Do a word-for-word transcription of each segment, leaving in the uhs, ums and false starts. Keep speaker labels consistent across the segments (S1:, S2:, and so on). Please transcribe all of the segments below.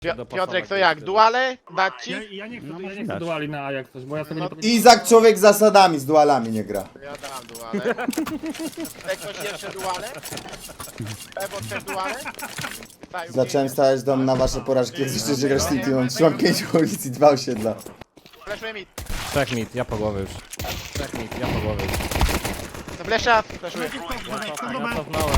S1: Pio Piotrek, to jak? Duale? Dać ci?
S2: Ja, ja nie chcę,
S3: No,
S2: ja nie
S3: może
S2: chcę
S3: dać.
S2: duali na A jak coś, bo ja sobie
S1: No,
S2: nie potrafię...
S4: Izak człowiek z zasadami, z dualami nie gra.
S1: Ja dam duale. Chce ktoś jeszcze duale? Ewo, chcesz duale? Staju,
S4: Zacząłem stawiać dom na wasze porażki, jak zresztą że grasz Team Teamem. Trzymam pięć ulic i dwa osiedla.
S1: Fleszuje mi.
S3: Trzech mit, ja po głowie już. Trzech mit, ja po głowie już.
S1: To flesza, fleszuje.
S3: Ja cofnąłem.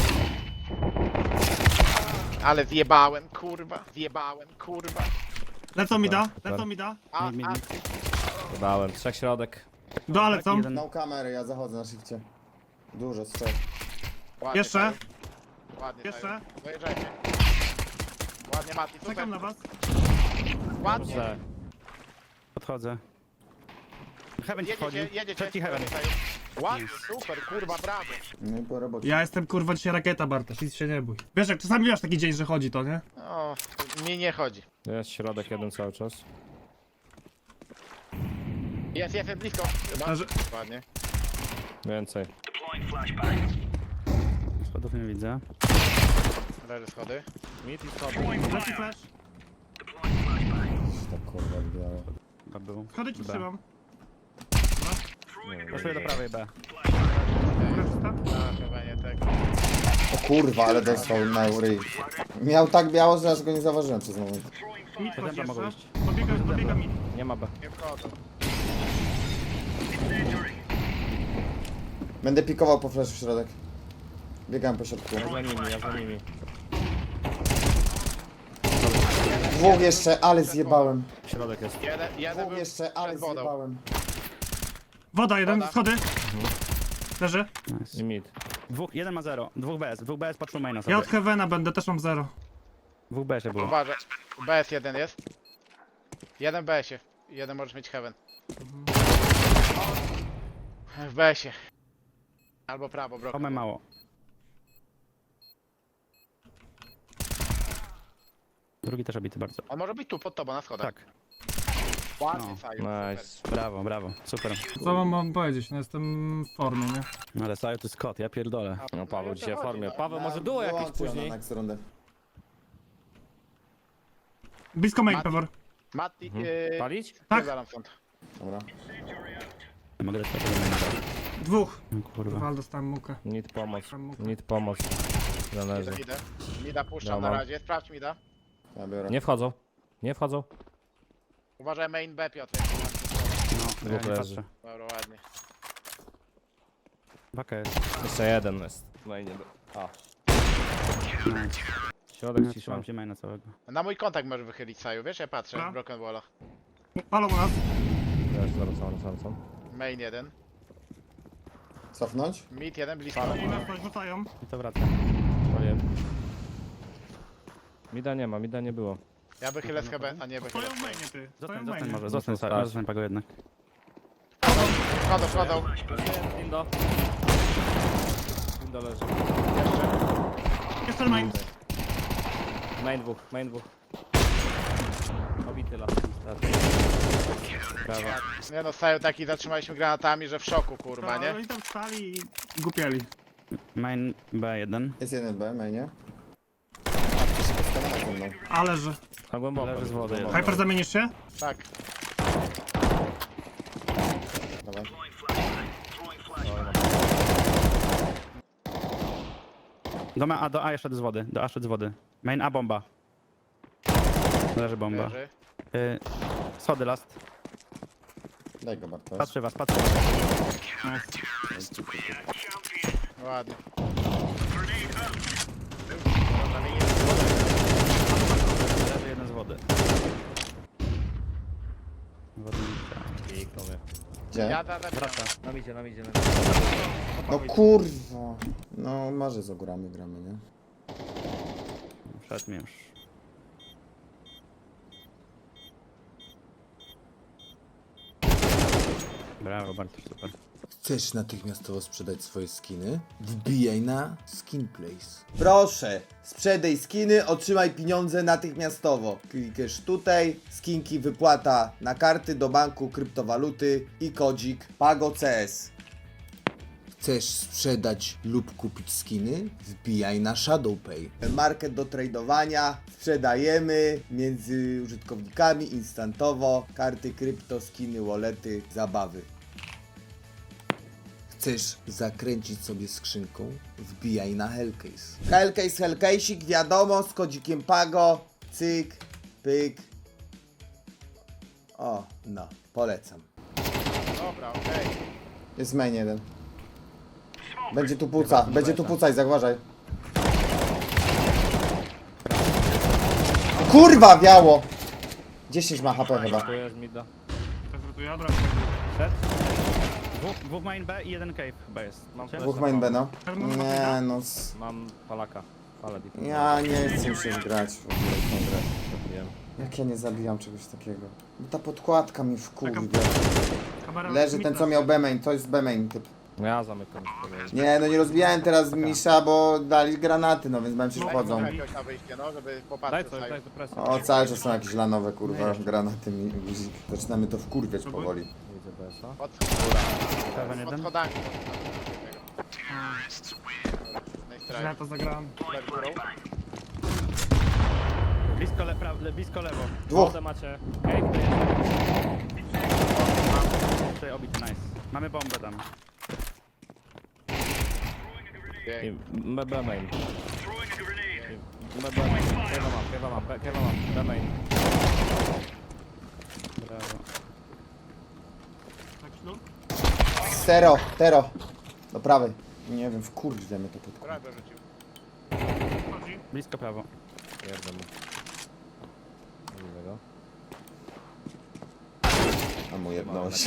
S1: Ale zjebałem, kurwa. Zjebałem, kurwa.
S2: Lecą mi da, lecą mi da.
S1: A,
S3: Mi, mi,
S1: a,
S3: mi. Dodałem, trzech środek.
S2: Do ale lecą.
S3: Jeden.
S4: No kamery, ja zachodzę na shifcie. Dużo strzał.
S1: ładnie,
S2: Jeszcze.
S1: Staju. Ładnie,
S2: Jeszcze.
S1: Staju. Dojeżdżajcie. Ładnie, Mati, super.
S2: Czekam na was.
S1: Ładnie.
S3: Dobrze. Podchodzę. Heaven ci wchodzi.
S1: Jedziecie, jedziecie.
S3: Trzeci heaven.
S1: Staju. Ładnie, super, kurwa, brawo.
S4: No i po robocie.
S2: Ja jestem kurwa dzisiaj rakieta, Bartosz, nic się nie bój. Wiesz, jak czasami masz taki dzień, że chodzi to, nie?
S1: O, mi nie chodzi.
S3: Jest środek jeden cały czas.
S1: Jest, jest, jest blisko. Chyba.
S2: A że-
S1: Ładnie.
S3: Więcej. Schodów nie widzę.
S1: Leży schody.
S3: Mit i schody.
S2: Leci flash.
S4: Tak kurwa białe.
S3: Chyba był.
S2: Schody ci
S3: B.
S2: trzymam.
S3: Poszuję do prawej B.
S2: Góra czysta.
S1: A, chyba nie tak.
S4: O kurwa, ale dostał na ryj. Miał tak biało, że aż go nie zauważyłem przez moment.
S2: Mid chodzi
S3: Dobra, mogą
S2: jeszcze.
S3: iść.
S2: Dobiega, dobiega mid.
S3: Nie ma B.
S1: Nie wchodzą.
S4: Będę pikował po flash w środek. Biegałem po środku.
S3: Ja za nimi, ja za nimi.
S4: Dwóch jeszcze, ale zjebałem.
S3: Środek jest.
S1: Jeden, jeden
S4: Dwóch
S1: był
S4: jeszcze, ale
S1: przed wodą.
S4: zjebałem.
S2: Woda, jeden,
S1: Woda.
S2: schody. Leży.
S3: I mit.
S5: Dwóch, jeden ma zero, dwóch B S, dwóch B S patrzył maina sobie.
S2: Ja od Heavena będę, też mam zero.
S5: Dwóch B S było.
S1: Uważaj. B S jeden jest. Jeden B S-ie. Jeden możesz mieć heaven. W B S-ie. Albo prawo, brok.
S5: Mamy mało. Drugi też obity bardzo.
S1: On może być tu, pod tobą, na schodach.
S5: Tak,
S1: Ładnie,
S5: No.
S1: Saju,
S3: Nice.
S1: super.
S5: brawo, brawo, super.
S2: Co wam mam powiedzieć, no jestem w formie, nie?
S5: No ale Saju to jest kot, ja pierdolę.
S3: No Paweł
S1: i o
S3: dzisiaj w
S1: to
S3: formie.
S1: chodzi,
S3: Paweł może duo jakieś
S4: Wyłączę
S3: później.
S4: na next rundę.
S2: Blisko main,
S1: Mati.
S2: Pewor.
S1: Mati,
S3: Mhm.
S1: yy,
S3: Palić?
S2: Tak.
S1: zaraz stąd.
S4: Dobra.
S5: Nie mogę dać tego maina.
S2: Dwóch.
S5: No kurwa.
S2: Wal, dostałem mukę.
S3: Need pomoc.
S2: Dostałem mukę.
S3: Need pomoc. Zależy.
S1: Idę, idę. Mida puszczam
S3: Dobra.
S1: na razie, sprawdź Mida.
S4: Ja biorę.
S3: Nie wchodzą. Nie wchodzą.
S1: Uważaj main B, Piotr.
S5: No, ja
S3: Dwóch
S5: nie
S3: leży.
S5: patrzę.
S1: Dobra, ładnie.
S5: Baka jest.
S3: Jeszcze jeden jest. No i nie do... A.
S5: Nice.
S3: Środek
S5: Ja
S3: cisza.
S5: trzymam cię maina całego.
S1: Na mój kontakt możesz wychylić, Saju, wiesz? Ja patrzę
S2: Dobra.
S1: w Broken Wallach.
S2: Palą u nas.
S3: Ja już zaraz, zaraz, zaraz, zaraz.
S1: Main jeden.
S4: Cofnąć?
S1: Mid jeden, blisko.
S2: I nas coś rzucają.
S5: I to wraca.
S3: Paliłem. Mida nie ma, mida nie było.
S1: Ja wychylę z Heben, a nie wychylę.
S2: Stoją w mainie, ty. Stoją
S5: Zostań,
S2: w
S5: zostań
S2: mainie.
S5: może, zostań Saju,
S3: Tak.
S5: zostań Pago jednak.
S1: Wchodzą, wchodzą.
S3: Indo. Indo leży.
S1: Jeszcze.
S2: Jeszcze main.
S3: Main dwóch, main dwóch. Obity las. Brawo.
S1: Nie no, Saju taki zatrzymaliśmy granatami, że w szoku, kurwa,
S2: To
S1: nie?
S2: Oni tam stali i głupieli.
S5: Main B jeden.
S4: Jest jeden B, mainie. A, to się postawiona ze mną.
S2: Ale że.
S3: Na głęboko.
S5: Leży z wody.
S3: Głęboko.
S2: Hyper, zamienisz się?
S1: Tak.
S4: Dawaj.
S5: Do, ma, a, do A jeszcze z wody, do A szedł z wody. Main A bomba. Leży bomba.
S1: Leży.
S5: Y, schody last.
S4: Daj go Bartosz.
S5: Patrzy was, patrzy was.
S1: Ładnie.
S5: Leży jeden z wody. Wody nie
S3: Kliknął mnie.
S4: Gdzie?
S1: Ja da, da,
S5: wraca.
S3: Nam idzie, nam idzie.
S4: No kurwa. No marzy z ogórami gramy, nie?
S5: Wszedł mi już. Brawo, Bartosz, super.
S4: Chcesz natychmiastowo sprzedać swoje skiny? Wbijaj na Skinplace. Proszę, sprzedaj skiny, otrzymaj pieniądze natychmiastowo. Klikasz tutaj, skinki wypłata na karty do banku, kryptowaluty i kodzik PagoCS. Chcesz sprzedać lub kupić skiny? Wbijaj na ShadowPay. Market do tradowania. Sprzedajemy między użytkownikami instantowo. Karty krypto, skiny, wallety, zabawy. Chcesz zakręcić sobie skrzynką? Wbijaj na Hellcase. Hellcase, Hellcase'ik, wiadomo, z kodzikiem Pago. Cyk, pyk. O, no, polecam.
S1: Dobra, okej.
S4: Jest main jeden. Będzie tu puca, będzie tu pucać, zauważaj. Kurwa, wiało! dziesięć ma H P chyba.
S3: Tu jest mida.
S2: Zrzutuję, dobra.
S5: Set. Dwóch, dwóch main B i jeden cave chyba jest.
S3: Mam
S5: Czy?
S4: Dwóch main B, no. Nie, no. s-
S3: Mam palaka. Palę deep.
S4: Ja nie chcę się grać w ogóle w tą grę.
S3: Zabiłem.
S4: Jak ja nie zabijam czegoś takiego? Bo ta podkładka mi wkurwia.
S2: Kamera
S4: Leży ten, co miał B-main, to jest B-main typ.
S3: No ja zamykam.
S4: Nie, no nie rozbijałem teraz Misza, bo dali granaty, no więc bałem się
S2: No,
S4: wchodzą.
S1: Daj jakoś na wyjście, no, żeby
S3: Daj
S1: popatrzeć
S3: coś,
S1: sobie.
S3: daj do presji.
S4: O, cały czas są jakieś lanowe, kurwa, granaty mi guzik. Zaczynamy to wkurwiać powoli.
S3: Widzę B S a.
S1: Pod,
S5: Heaven
S1: pod
S5: jeden.
S1: schodami.
S2: Ja to zagrałem.
S5: Blisko, le, pra, le, blisko lewo.
S4: Dwóch.
S3: Wodę macie. Ej, to jest.
S5: Tutaj obity, nice. Mamy bombę tam.
S3: I B B main. B B main. Kewa mam, kewa mam, be- kewa mam. B main.
S5: Brawo.
S2: Tak, ślub.
S4: Tero, tero. Do prawej. Nie wiem, wkurwia mnie to podkładka.
S1: Prawie rzucił.
S2: Chodzi.
S5: Blisko prawo.
S3: Jedę mu. Nie widzę go.
S4: A mu jedność.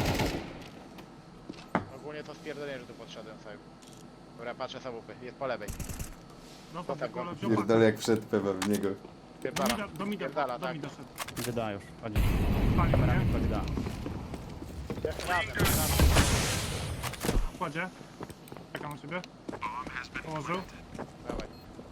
S1: Ogólnie to spierdolenie, że tu podszedłem sobie. Dobra, patrzę za łupy. Jest po lewej.
S2: No to
S1: tak,
S2: tylko
S1: no.
S4: Pierdolę jak wszedł pewnie w niego.
S2: Do
S1: Pierdala.
S2: mida, do mida,
S1: Pierdala,
S2: do
S1: tak.
S2: mida szedł.
S5: Idzie da już. Chodzi.
S2: Pali, nie?
S5: Chodzi da.
S1: Razem, razem.
S2: Kładzie. Czekam na ciebie. Położył.
S1: Dawaj.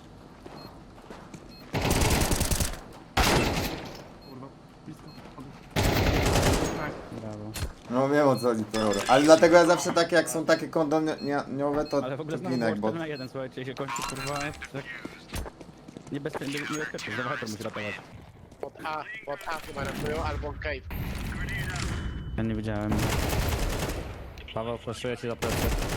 S2: Kurwa. Blisko. Chodzi. Nice.
S5: Brawo.
S4: No wiem o co chodzi, to euro. Ale dlatego ja zawsze takie, jak są takie kondoniowe, to
S5: Ale w ogóle
S4: to
S5: znowu
S4: ginę jak
S5: było
S4: bot.
S5: cztery na jeden, słuchajcie, i się kończy kurwa. Tak. Niebezpiecznie, niebezpiecznie. Zobaczcie, musi ratować.
S1: Pod A, pod A chyba ratują, albo cave.
S5: Ja nie widziałem.
S3: Paweł, flaszuję ci za plecy.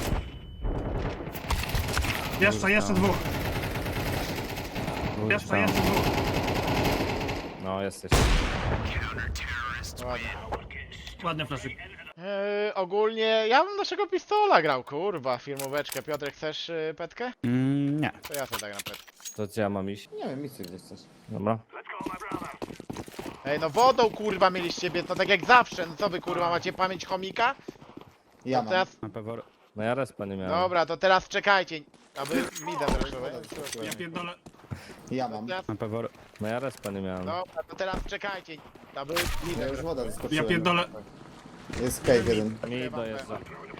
S2: Jeszcze, jeszcze dwóch. Jeszcze, jeszcze dwóch.
S3: No, jesteś.
S1: Ładnie.
S2: Ładny flaszyk.
S1: Eee, ogólnie ja bym naszego pistola grał, kurwa, filmóweczkę. Piotrek, chcesz yy, petkę?
S5: Mm, nie.
S1: To ja sobie tak na petkę.
S3: To gdzie ja mam iść?
S4: Nie wiem, misy gdzieś coś.
S3: Dobra.
S1: Ej, no wodą kurwa mieliście, to tak jak zawsze. No co wy kurwa, macie pamięć chomika?
S4: Ja
S1: To
S4: mam.
S1: teraz,
S5: Na pewno.
S3: No ja respa nie miałem.
S1: dobra, to teraz czekajcie. Aby mida zresztą.
S2: Ja pierdolę.
S4: Ja mam.
S1: Teraz,
S5: Na pewno.
S3: No ja respa nie miałem.
S1: dobra, to teraz czekajcie. Aby mida
S4: Ja już
S1: zresztą.
S4: woda
S2: Ja
S4: zaskoczyłem.
S2: pierdolę.
S4: Jest cave jeden.
S3: Mi dojeżdża.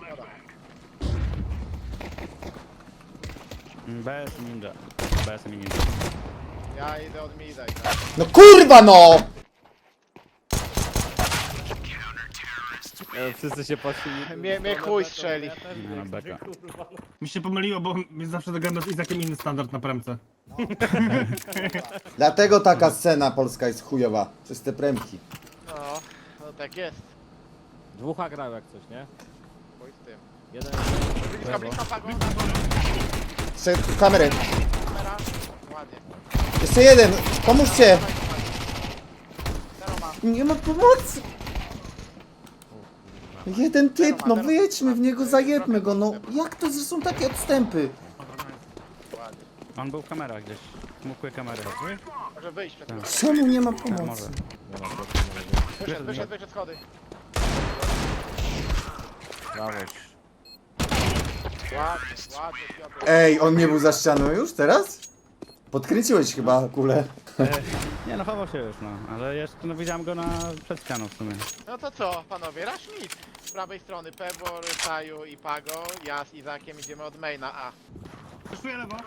S5: B S ninja. B S ninja.
S1: Ja idę od mida i tak.
S4: No kurwa no!
S3: E, Wszyscy się patrzyli.
S1: Mnie, mnie chuj strzeli.
S5: Nie, na beka.
S2: Mi się pomyliło, bo mi zawsze zagram z Izakiem inny standard na premce.
S4: Dlatego taka scena polska jest chujowa. Przez te premki.
S1: No, no tak jest.
S3: Dwóch A grał jak coś, nie?
S1: Chuj z tym.
S3: Jeden.
S1: Blisko, blisko, pago.
S4: Jeszcze kamery.
S1: Kamera. Ładnie.
S4: Jeszcze jeden! Pomóżcie!
S1: Zero ma.
S4: Nie ma pomocy! Jeden typ, no wyjedźmy w niego, zajedmy go, no jak to, że są takie odstępy?
S1: Ładnie.
S5: On był w kamerach gdzieś. Mógł kamerę.
S1: Może wyjść przed
S5: Tak.
S4: Czemu nie ma
S5: Może.
S4: pomocy?
S3: Nie ma bloku na razie.
S1: Wyszedł, wyszedł, wyszedł schody.
S3: Brawo.
S1: Ładnie, ładnie, Piotr.
S4: Ej, on nie był za ścianą już teraz? Podkręciłeś chyba kulę.
S5: Nie no, chował się już, no. Ale jeszcze, no widziałem go na przed ścianą w sumie.
S1: No to co, panowie, rush mid. Z prawej strony Pebor, Saju i Pago. Ja z Izakiem idziemy od maina A.
S2: Wyszuję lewo.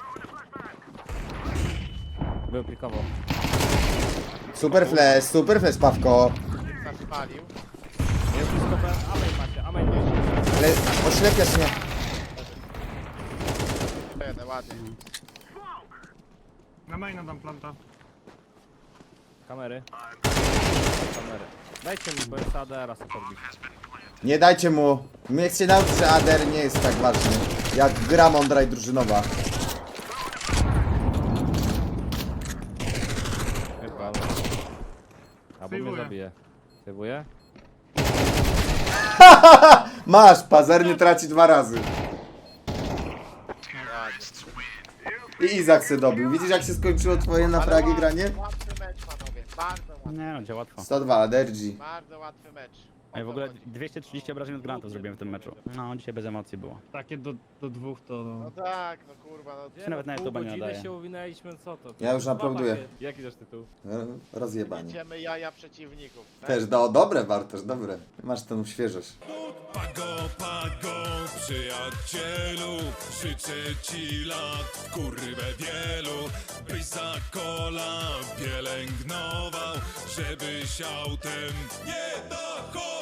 S3: Był plikowo.
S4: Super flash, super flash, Pawko.
S1: Nas spalił.
S3: Jest blisko B. Amen macie, amen macie.
S4: Ale oślepiasz mnie.
S1: ładnie.
S2: Na maina dam planta.
S3: Kamery. Kamery. Dajcie mi, bo jest A D, raz podbić.
S4: Nie dajcie mu. My się nauczyć, że A D R nie jest tak ważny. Jak gra mądra i drużynowa.
S3: Chyba. Albo mnie
S2: Sejwuję.
S3: zabije. Sejwuję?
S4: Masz, pazerny traci dwa razy.
S1: Ładnie.
S4: I Izak se dobił. Widzisz jak się skończyło twoje na fragi
S1: Ale
S4: granie?
S1: Łatwy mecz, panowie. Bardzo łatwy.
S5: Nie no, gdzie łatwo.
S4: sto dwa, Adergi.
S1: Bardzo łatwy mecz. O
S5: Ej, w
S1: to
S5: ogóle
S1: chodzi.
S5: dwieście trzydzieści obrażeń od granatów zrobiłem w tym meczu. No, dzisiaj bez emocji było.
S2: Takie do, do dwóch to...
S1: No tak, no kurwa, no.
S5: Się nawet na
S3: Pół
S5: YouTube'a nie
S3: godziny
S5: nadaje.
S3: się uwinęliśmy, co to?
S4: Ja już
S3: Dwa
S4: aplauduję.
S3: pakiety. Jaki też tytuł?
S4: Rozjebanie.
S1: Idziemy jaja przeciwników. Tak?
S4: Też, no dobre Bartosz, dobre. Masz tą świeżość.
S6: Pago, pago, przyjacielu, życzę ci lat, kurwę wielu, byś za kola pielęgnował, żebyś autem nie dochodził.